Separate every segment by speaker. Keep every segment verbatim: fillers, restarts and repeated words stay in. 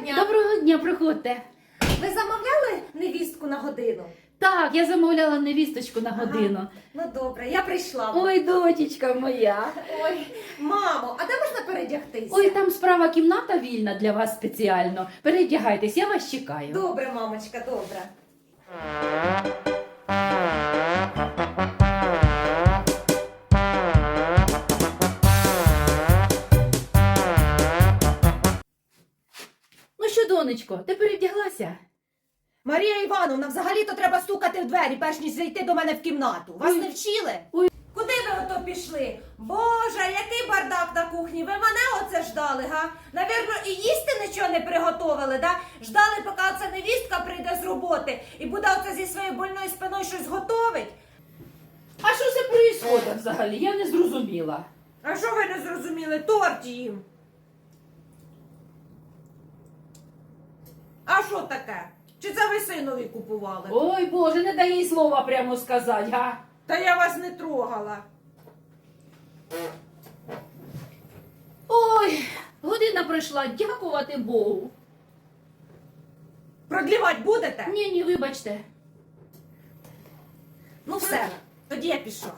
Speaker 1: дня.
Speaker 2: Доброго дня, приходьте.
Speaker 1: Ви замовляли невістку на годину?
Speaker 2: Так, я замовляла невісточку на годину.
Speaker 1: Ага. Ну добре, я прийшла.
Speaker 2: Ой, дочечка моя.
Speaker 1: Ой, мамо, а де можна передягтися?
Speaker 2: Ой, там справа кімната вільна для вас спеціально. Передягайтесь, я вас чекаю.
Speaker 1: Добре, мамочка, добре.
Speaker 2: Ну що, донечко, ти передяглася?
Speaker 1: Марія Івановна, взагалі-то треба стукати в двері, перш ніж зайти до мене в кімнату. Вас
Speaker 2: Ой.
Speaker 1: не вчили?
Speaker 2: Ой.
Speaker 1: Куди ви ото пішли? Боже, який бардак на кухні. Ви мене оце ждали, га? Навірно, і їсти нічого не приготовили, да? Ждали, поки оця невістка прийде з роботи і буде оце зі своєю больною спиною щось готовить.
Speaker 2: А що це происходить взагалі? Я не зрозуміла.
Speaker 1: А що ви не зрозуміли? Торт їм. А що таке? Чи це ви синові купували?
Speaker 2: Ой, Боже, не дай їй слова прямо сказати, га?
Speaker 1: Та я вас не трогала.
Speaker 2: Ой, година пройшла, дякувати Богу.
Speaker 1: Продлівати будете?
Speaker 2: Ні, ні, вибачте.
Speaker 1: Ну все, тоді я пішла.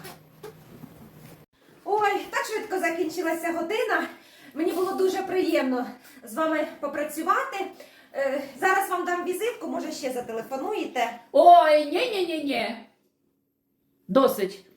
Speaker 1: Ой, так швидко закінчилася година. Мені було дуже приємно з вами попрацювати. Е, зараз вам дам візитку, може ще зателефонуєте.
Speaker 2: Ой, ні-ні-ні-ні. Досить.